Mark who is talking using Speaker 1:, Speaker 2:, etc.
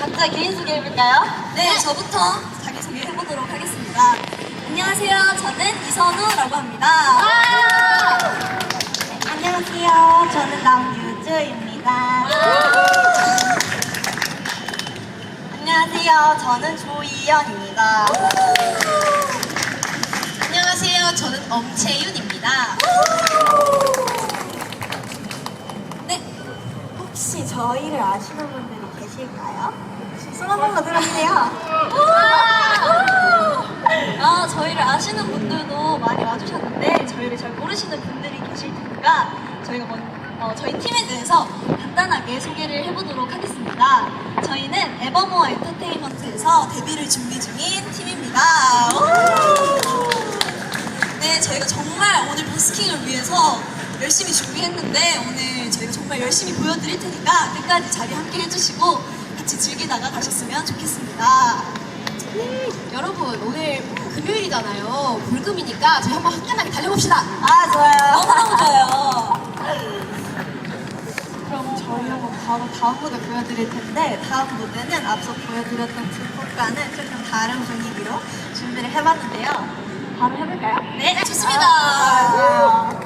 Speaker 1: 각자 개인 소개해볼까요?
Speaker 2: 네, 저부터 자기소개 해보도록 하겠습니다. 안녕하세요. 저는 이선우라고 합니다.
Speaker 1: 네, 안녕하세요. 저는 남유주입니다. 안녕하세요. 저는 조이연입니다.
Speaker 2: 안녕하세요. 저는 엄채윤입니다.
Speaker 1: 네, 혹시 저희를 아시는 분들이 계실까요? 손 한 번만 들어주세요.
Speaker 2: 저희를 아시는 분들도 많이 와주셨는데 저희를 잘 모르시는 분들이 계실 테니까 저희가 저희 팀에 대해서 간단하게 소개를 해보도록 하겠습니다. 저희는 에버모어 엔터테인먼트에서 데뷔를 준비 중인 팀입니다. 네, 저희가 정말 오늘 버스킹을 위해서 열심히 준비했는데 오늘 저희가 정말 열심히 보여드릴 테니까 끝까지 자리 함께 해주시고 같이 즐기다가 가셨으면 좋겠습니다. 여러분, 오늘 금요일이잖아요. 불금이니까 저희 한번 화끈하게 달려봅시다.
Speaker 1: 아, 좋아요.
Speaker 2: 너무너무 좋아요.
Speaker 1: 그럼 저희 한번 바로 다음 무대 보여드릴 텐데 다음 무대는 앞서 보여드렸던 두 곡과는 조금 다른 분위기로 준비를 해봤는데요. 바로 해볼까요?
Speaker 2: 네, 좋습니다.
Speaker 1: 아,